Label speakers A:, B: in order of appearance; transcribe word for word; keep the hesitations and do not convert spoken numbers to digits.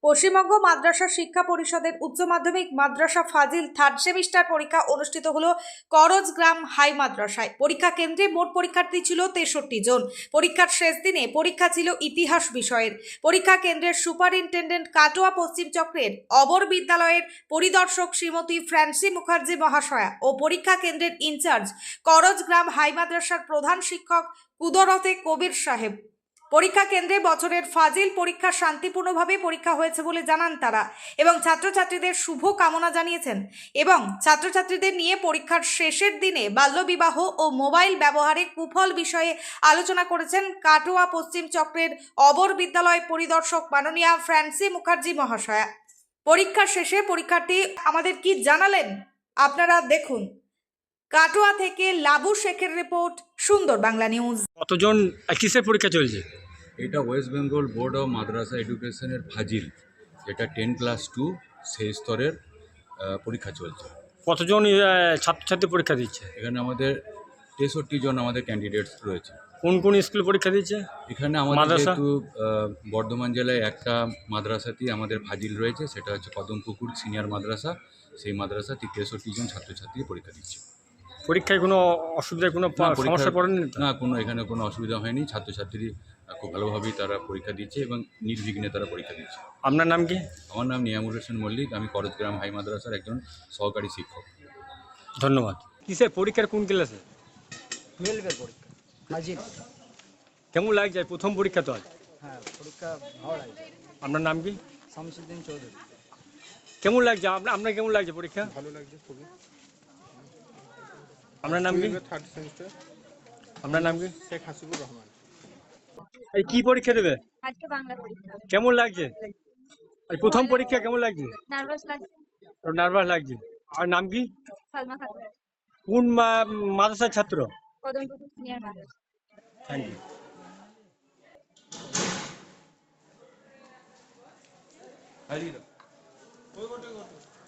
A: পশ্চিমবঙ্গ মাদ্রাসা শিক্ষা পরিষদের উচ্চ মাধ্যমিক মাদ্রাসা ফাজিল থার্ড সেমিস্টার পরীক্ষা অনুষ্ঠিত হলো করজগ্রাম হাই মাদ্রাসায়। পরীক্ষা কেন্দ্রে মোট পরীক্ষার্থী ছিল তেষট্টি জন। পরীক্ষার শেষ দিনে পরীক্ষা ছিল ইতিহাস বিষয়ের। পরীক্ষা কেন্দ্রের সুপারিনটেন্ডেন্ট কাটোয়া পশ্চিম চক্রের অবর বিদ্যালয়ের পরিদর্শক শ্রীমতী ফ্রান্সি মুখার্জি মহাশয়া ও পরীক্ষা কেন্দ্রের ইনচার্জ করজগ্রাম হাই মাদ্রাসার প্রধান শিক্ষক কুদরতে কবির সাহেব। পরীক্ষা কেন্দ্রে বছরের ফাজিল পরীক্ষা শান্তিপূর্ণভাবে পরীক্ষা হয়েছে বলে জানান তারা এবং ছাত্রছাত্রীদের শুভ কামনা জানিয়েছেন এবং ছাত্রছাত্রীদের নিয়ে পরীক্ষার শেষের দিনে বাল্যবিবাহ ও মোবাইল ব্যবহারে কুফল বিষয়ে আলোচনা করেছেন কাটোয়া পশ্চিম চক্রের অবর বিদ্যালয় পরিদর্শক মাননীয়া ফ্রান্সি মুখার্জি মহাশয়া। পরীক্ষা শেষে পরীক্ষার্থী আমাদের কি জানালেন আপনারা দেখুন। কাটোয়া থেকে লাবু শেখের রিপোর্ট, সুন্দর বাংলা নিউজ।
B: কতজন কিসের পরীক্ষা চলছে?
C: এটা West Bengal board of Madrasah এডুকেশনের ফাজিল, যেটা টেন ক্লাস টু সেই স্তরের আহ, পরীক্ষা চলছে।
B: কতজন আহ, ছাত্রছাত্রী পরীক্ষা দিচ্ছে?
C: এখানে আমাদের তেষট্টি জন আমাদের ক্যান্ডিডেটস রয়েছে।
B: কোন কোন স্কুলে পরীক্ষা দিচ্ছে?
C: এখানে আমাদের
B: মাদ্রাসা?
C: যেহেতু আহ, বর্ধমান জেলায় একটা মাদ্রাসাতেই আমাদের ফাজিল রয়েছে, সেটা হচ্ছে কদমপুকুর সিনিয়র মাদ্রাসা। সেই মাদ্রাসাতে তেষট্টি জন ছাত্রছাত্রী পরীক্ষা দিচ্ছে।
B: পরীক্ষায় কোনো অসুবিধায় কোনো
C: না, পরীক্ষা-
B: সমস্যা পড়েনি তো?
C: না, কোনো এখানে কোনো অসুবিধা হয়নি। ছাত্রছাত্রী খুব ভালোভাবেই তারা পরীক্ষা দিচ্ছে এবং নির্বিঘ্নে তারা পরীক্ষা দিচ্ছে।
B: আপনার নাম কি?
C: আমার নাম নিয়ামুর হোসেন মল্লিক, আমি করজগ্রাম হাই মাদ্রাসার একজন সহকারী শিক্ষক।
B: ধন্যবাদ। কিসের পরীক্ষার কোন ক্লাসে?
D: টুয়েলভের পরীক্ষা হাজির।
B: কেমন লাগছে প্রথম পরীক্ষা তো আজ?
D: হ্যাঁ, পরীক্ষা ভালো লাগছে।
B: আপনার নাম কি?
D: শামসুদ্দিন চৌধুরী।
B: কেমন লাগছে আপনার আপনার কেমন লাগছে পরীক্ষা?
E: ভালো লাগছে খুবই।
B: আপনার নাম কি?
E: Third semester.
B: আপনার নাম কি?
E: শেখ হাসিবুর রহমান।
B: এই কি পরীক্ষা দেবে?
F: আজকে বাংলা পরীক্ষা।
B: কেমন লাগছে এই প্রথম পরীক্ষা? কেমন লাগছে?
F: নার্ভাস লাগছে।
B: নার্ভাস লাগছে। আর নাম কি?
F: সালমা খাতুন,
B: কোন মা- মাদ্রাসার ছাত্র?
F: Kadampukur senior Madrasah.
B: Thank you.
E: হারিয়ে দাও।